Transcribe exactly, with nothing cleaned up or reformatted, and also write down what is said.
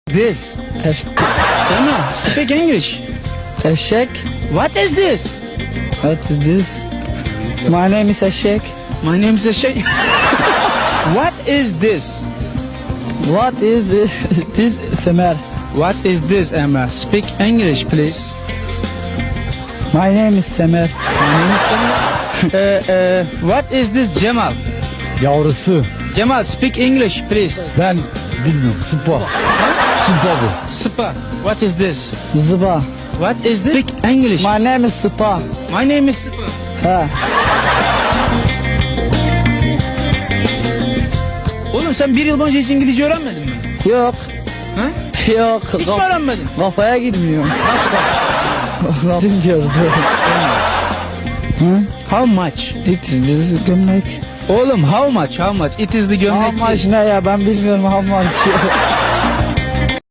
this? Eş Emma, speak English. eşek. What is this? What is this? My name is eşek. My name is Eşek. What is this? What is this? Semer. What is this, Emma? Speak English, please. My name is Semer. My name is Emma. Uh, uh, what is this, Cemal? Yavrusu. Cemal, speak English, please. Ben bilmiyorum. Sıpa. Sıpa bu. Spa. What is this? Zıba. What is this? Speak English. My name is Sıpa. My name is Spa. Ha. Oğlum sen bir yıl boyunca hiç İngilizce öğrenmedin mi? Yok. Ha? Yok. Hiç mi Kaf- öğrenmedin? kafaya girmiyor. Nasıl bak? Bilmiyoruz. How much? It is this gömlek. Oğlum how much? How much? It is the gömlek. How much ne ya, ben bilmiyorum how much.